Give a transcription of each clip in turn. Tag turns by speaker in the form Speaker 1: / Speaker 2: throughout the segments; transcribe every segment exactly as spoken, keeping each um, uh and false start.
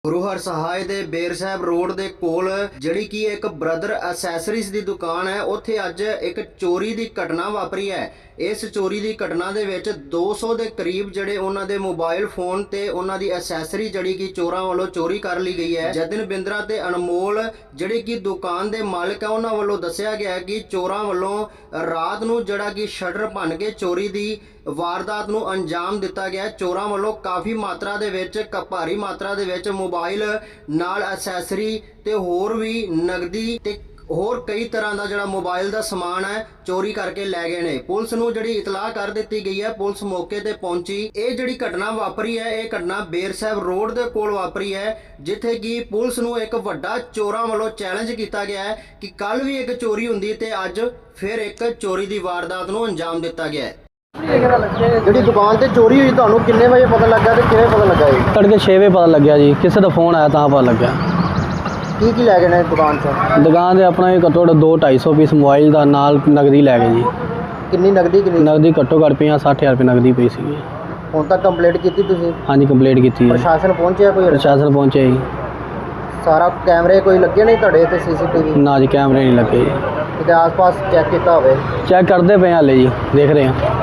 Speaker 1: ਗੁਰੂ ਹਰਸਹਾਏ ਦੇ ਬੇਰ ਸਾਹਿਬ ਰੋਡ ਦੇ ਕੋਲ ਜਿਹੜੀ ਕਿ ਇੱਕ ਬ੍ਰਦਰ ਐਸੈਸਰੀਜ਼ ਦੀ ਦੁਕਾਨ ਹੈ, ਉੱਥੇ ਅੱਜ ਇੱਕ ਚੋਰੀ ਦੀ ਘਟਨਾ ਵਾਪਰੀ ਹੈ। ਇਸ ਚੋਰੀ ਦੀ ਘਟਨਾ ਦੇ ਵਿੱਚ ਦੋ ਸੌ ਦੇ ਕਰੀਬ ਜਿਹੜੇ ਉਹਨਾਂ ਦੇ ਮੋਬਾਈਲ ਫੋਨ ਤੇ ਉਹਨਾਂ ਦੀ ਐਸੈਸਰੀ ਜਿਹੜੀ ਕਿ ਚੋਰਾਂ ਵੱਲੋਂ ਚੋਰੀ ਕਰ ਲਈ ਗਈ ਹੈ। ਜਤਿਨ ਬਿੰਦਰਾ ਤੇ ਅਨਮੋਲ ਜਿਹੜੇ ਕਿ ਦੁਕਾਨ ਦੇ ਮਾਲਕ ਹੈ, ਉਹਨਾਂ ਵੱਲੋਂ ਦੱਸਿਆ ਗਿਆ ਕਿ ਚੋਰਾਂ ਵੱਲੋਂ ਰਾਤ ਨੂੰ ਜਿਹੜਾ ਕਿ ਸ਼ਟਰ ਭੰਨ ਕੇ ਚੋਰੀ ਦੀ ਵਾਰਦਾਤ ਨੂੰ ਅੰਜਾਮ ਦਿੱਤਾ ਗਿਆ। ਚੋਰਾਂ ਵੱਲੋਂ ਕਾਫੀ ਮਾਤਰਾ ਦੇ ਵਿੱਚ ਭਾਰੀ ਮਾਤਰਾ ਦੇ ਵਿੱਚ ਮੋਬਾਈਲ ਨਾਲ ਐਸੈਸਰੀ ਤੇ ਹੋਰ ਵੀ ਨਗਦੀ ਤੇ ਹੋਰ ਕਈ ਤਰ੍ਹਾਂ ਦਾ ਜਿਹੜਾ ਮੋਬਾਈਲ ਦਾ ਸਮਾਨ ਹੈ ਚੋਰੀ ਕਰਕੇ ਲੈ ਗਏ ਨੇ। ਪੁਲਿਸ ਨੂੰ ਜਿਹੜੀ ਇਤਲਾਹ ਕਰ ਦਿੱਤੀ ਗਈ ਹੈ, ਪੁਲਿਸ ਮੌਕੇ ਤੇ ਪਹੁੰਚੀ। ਇਹ ਜਿਹੜੀ ਘਟਨਾ ਵਾਪਰੀ ਹੈ, ਇਹ ਘਟਨਾ ਬੇਰ ਸਾਹਿਬ ਰੋਡ ਦੇ ਕੋਲ ਵਾਪਰੀ ਹੈ, ਜਿੱਥੇ ਕਿ ਪੁਲਿਸ ਨੂੰ ਇੱਕ ਵੱਡਾ ਚੋਰਾਂ ਵੱਲੋਂ ਚੈਲੰਜ ਕੀਤਾ ਗਿਆ ਹੈ ਕਿ ਕੱਲ ਵੀ ਇੱਕ ਚੋਰੀ ਹੁੰਦੀ ਤੇ ਅੱਜ ਫਿਰ ਇੱਕ ਚੋਰੀ ਦੀ ਵਾਰਦਾਤ ਨੂੰ ਅੰਜਾਮ ਦਿੱਤਾ ਗਿਆ ਹੈ। ਜਿਹੜੀ ਦੁਕਾਨ ਤੇ ਚੋਰੀ ਹੋਈ ਤੁਹਾਨੂੰ ਕਿੰਨੇ ਵਜੇ ਪਤਾ ਲੱਗਾ ਤੇ ਕਿਵੇਂ ਪਤਾ ਲੱਗਾ ਜੀ?
Speaker 2: ਤੜਕੇ ਛੇ ਵਜੇ ਪਤਾ ਲੱਗਿਆ ਜੀ, ਕਿਸੇ ਦਾ ਫੋਨ ਆਇਆ ਤਾਂ ਪਤਾ ਲੱਗਿਆ।
Speaker 1: ਕੀ ਕੀ ਲੈ ਗਏ ਨੇ ਦੁਕਾਨ ਤੋਂ?
Speaker 2: ਦੁਕਾਨ ਦੇ ਆਪਣਾ ਘੱਟੋ ਘੱਟ ਦੋ ਢਾਈ ਸੌ ਪੀਸ ਮੋਬਾਈਲ ਦਾ ਨਾਲ ਨਗਦੀ ਲੈ ਗਏ ਜੀ।
Speaker 1: ਕਿੰਨੀ ਨਗਦੀ ਕਿੰਨੀ?
Speaker 2: ਨਗਦੀ ਘੱਟੋ ਘੱਟ ਪੰਜਾਹ ਸੱਠ ਹਜ਼ਾਰ ਰੁਪਏ ਨਗਦੀ ਪਈ ਸੀਗੀ।
Speaker 1: ਹੁਣ ਤੱਕ ਕੰਪਲੇਂਟ ਕੀਤੀ ਤੁਸੀਂ?
Speaker 2: ਹਾਂਜੀ ਕੰਪਲੀਟ ਕੀਤੀ ਹੈ।
Speaker 1: ਪ੍ਰਸ਼ਾਸਨ ਪਹੁੰਚਿਆ ਕੋਈ?
Speaker 2: ਪ੍ਰਸ਼ਾਸਨ ਪਹੁੰਚਿਆ ਜੀ।
Speaker 1: ਸਾਰਾ ਕੈਮਰੇ ਕੋਈ ਲੱਗੇ ਨਹੀਂ ਤੁਹਾਡੇ ਤੇ ਸੀਸੀਟੀਵੀ?
Speaker 2: ਨਾ ਜੀ ਕੈਮਰੇ ਨਹੀਂ ਲੱਗੇ ਜੀ।
Speaker 1: ਕਿਤੇ ਆਸ-ਪਾਸ ਚੈੱਕ ਕੀਤਾ ਹੋਵੇ?
Speaker 2: ਚੈੱਕ ਕਰਦੇ ਪਏ ਹਾਲੇ ਜੀ, ਦੇਖ ਰਹੇ ਹਾਂ।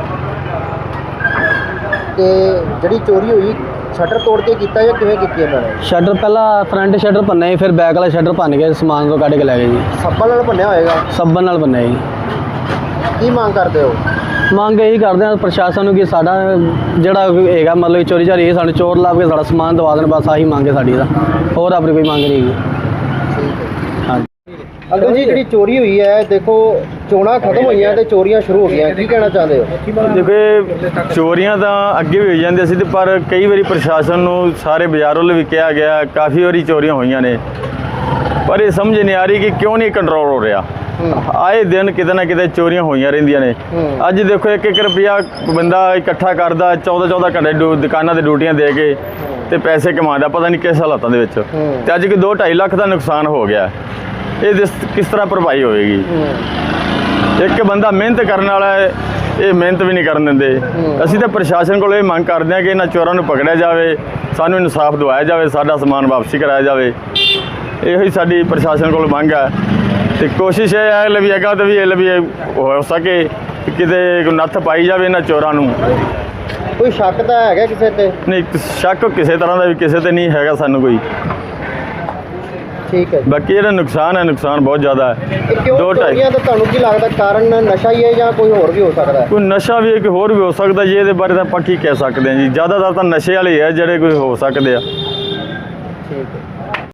Speaker 1: ਤੇ ਜਿਹੜੀ ਚੋਰੀ ਹੋਈ ਸ਼ਟਰ ਤੋੜ ਕੇ ਕੀਤਾ ਜਾਂ ਕਿਵੇਂ ਕੀਤੀ ਇਹਨਾਂ ਨੇ?
Speaker 2: ਸ਼ਟਰ ਪਹਿਲਾਂ ਫਰੰਟ ਸ਼ਟਰ ਭੰਨਿਆ ਜੀ, ਫਿਰ ਬੈਕ ਵਾਲਾ ਸ਼ਟਰ ਭੰਨ ਕੇ ਸਮਾਨ ਤੋਂ ਕੱਢ ਕੇ ਲੈ ਗਏ ਜੀ।
Speaker 1: ਸੱਬਲ ਨਾਲ ਭੰਨਿਆ ਹੋਏਗਾ?
Speaker 2: ਸੱਬਨ ਨਾਲ ਭੰਨਿਆ ਜੀ।
Speaker 1: ਕੀ ਮੰਗ ਕਰਦੇ ਹੋ?
Speaker 2: ਮੰਗ ਇਹੀ ਕਰਦੇ ਹਾਂ ਪ੍ਰਸ਼ਾਸਨ ਨੂੰ ਕਿ ਸਾਡਾ ਜਿਹੜਾ ਹੈਗਾ ਮਤਲਬ ਚੋਰੀ ਚਾਰੀ ਸਾਨੂੰ ਚੋਰ ਲੱਭ ਕੇ ਸਾਡਾ ਸਮਾਨ ਦਵਾ ਦੇਣ, ਬਸ ਆਹੀ ਮੰਗ ਹੈ ਸਾਡੀ ਦਾ, ਹੋਰ ਆਪਣੀ ਕੋਈ ਮੰਗ ਨਹੀਂ ਹੈਗੀ। ਹਾਂਜੀ
Speaker 1: ਅੰਕਲ ਜੀ, ਜਿਹੜੀ ਚੋਰੀ ਹੋਈ ਹੈ, ਦੇਖੋ ਚੋਣਾਂ ਖਤਮ ਹੋਈਆਂ ਤੇ ਚੋਰੀਆਂ ਸ਼ੁਰੂ ਹੋ ਗਈਆਂ, ਕੀ ਕਹਿਣਾ ਚਾਹੁੰਦੇ ਹੋ?
Speaker 3: ਦੇਖੋ ਚੋਰੀਆਂ ਤਾਂ ਅੱਗੇ ਵੀ ਹੋਈ ਜਾਂਦੀਆਂ ਸੀ ਤੇ ਪਰ ਕਈ ਵਾਰੀ ਪ੍ਰਸ਼ਾਸਨ ਨੂੰ ਸਾਰੇ ਬਾਜ਼ਾਰ ਵੱਲ ਵੀ ਕਿਹਾ ਗਿਆ, ਕਾਫੀ ਵਾਰੀ ਚੋਰੀਆਂ ਹੋਈਆਂ ਨੇ, ਪਰ ਇਹ ਸਮਝ ਨਹੀਂ ਆ ਰਹੀ ਕਿ ਕਿਉਂ ਨਹੀਂ ਕੰਟਰੋਲ ਹੋ ਰਿਹਾ। ਆਏ ਦਿਨ ਕਿਤੇ ਨਾ ਕਿਤੇ ਚੋਰੀਆਂ ਹੋਈਆਂ ਰਹਿੰਦੀਆਂ ਨੇ। ਅੱਜ ਦੇਖੋ ਇੱਕ ਇੱਕ ਰੁਪਿਆ ਬੰਦਾ ਇਕੱਠਾ ਕਰਦਾ, ਚੌਦਾਂ ਚੌਦਾਂ ਘੰਟੇ ਦੁਕਾਨਾਂ ਤੇ ਡਿਊਟੀਆਂ ਦੇ ਕੇ ਤੇ ਪੈਸੇ ਕਮਾਉਂਦਾ, ਪਤਾ ਨਹੀਂ ਕਿਸ ਹਾਲਾਤਾਂ ਦੇ ਵਿੱਚ। ਤੇ ਅੱਜ ਕਿ ਦੋ ਢਾਈ ਲੱਖ ਦਾ ਨੁਕਸਾਨ ਹੋ ਗਿਆ। ਇਹ ਕਿਸ ਤਰ੍ਹਾਂ ਭਰਪਾਈ ਹੋਵੇਗੀ? ਇੱਕ ਬੰਦਾ ਮਿਹਨਤ ਕਰਨ ਵਾਲਾ ਹੈ, ਇਹ ਮਿਹਨਤ ਵੀ ਨਹੀਂ ਕਰਨ ਦਿੰਦੇ। ਅਸੀਂ ਤਾਂ ਪ੍ਰਸ਼ਾਸਨ ਕੋਲ ਇਹ ਮੰਗ ਕਰਦੇ ਹਾਂ ਕਿ ਇਹਨਾਂ ਚੋਰਾਂ ਨੂੰ ਪਕੜਿਆ ਜਾਵੇ, ਸਾਨੂੰ ਇਨਸਾਫ ਦਿਵਾਇਆ ਜਾਵੇ, ਸਾਡਾ ਸਮਾਨ ਵਾਪਸੀ ਕਰਾਇਆ ਜਾਵੇ। ਇਹੋ ਹੀ ਸਾਡੀ ਪ੍ਰਸ਼ਾਸਨ ਕੋਲ ਮੰਗ ਹੈ ਤੇ ਕੋਸ਼ਿਸ਼ ਇਹ ਹੈ ਲਈ ਅੱਗਾ ਤੋਂ ਵੀ ਇਹ ਲਈ ਹੋ ਸਕੇ ਕਿਤੇ ਨੱਥ ਪਾਈ ਜਾਵੇ ਇਹਨਾਂ ਚੋਰਾਂ ਨੂੰ।
Speaker 1: ਕੋਈ ਸ਼ੱਕ ਤਾਂ ਹੈਗਾ ਕਿਸੇ ਤੇ?
Speaker 3: ਨਹੀਂ, ਸ਼ੱਕ ਕਿਸੇ ਤਰ੍ਹਾਂ ਦਾ ਵੀ ਕਿਸੇ ਤੇ ਨਹੀਂ ਹੈਗਾ ਸਾਨੂੰ ਕੋਈ।
Speaker 1: ਠੀਕ ਹੈ।
Speaker 3: ਬਾਕੀ ਜਿਹੜਾ ਨੁਕਸਾਨ ਹੈ, ਨੁਕਸਾਨ ਬਹੁਤ ਜ਼ਿਆਦਾ ਹੈ।
Speaker 1: ਦੋ ਢਾਈ ਤਾਂ ਤੁਹਾਨੂੰ ਕੀ ਲੱਗਦਾ ਕਾਰਨ ਨਸ਼ਾ ਹੀ ਹੈ ਜਾਂ ਕੋਈ ਹੋਰ ਵੀ ਹੋ ਸਕਦਾ ਹੈ?
Speaker 3: ਕੋਈ ਨਸ਼ਾ ਵੀ ਇੱਕ ਹੋਰ ਵੀ ਹੋ ਸਕਦਾ ਜੀ, ਇਹਦੇ ਬਾਰੇ ਤਾਂ ਆਪਾਂ ਕੀ ਕਹਿ ਸਕਦੇ ਹਾਂ ਜੀ। ਜ਼ਿਆਦਾਤਰ ਤਾਂ ਨਸ਼ੇ ਵਾਲੇ ਹੈ ਜਿਹੜੇ ਕੋਈ ਹੋ ਸਕਦੇ ਆ।
Speaker 1: ਠੀਕ ਹੈ।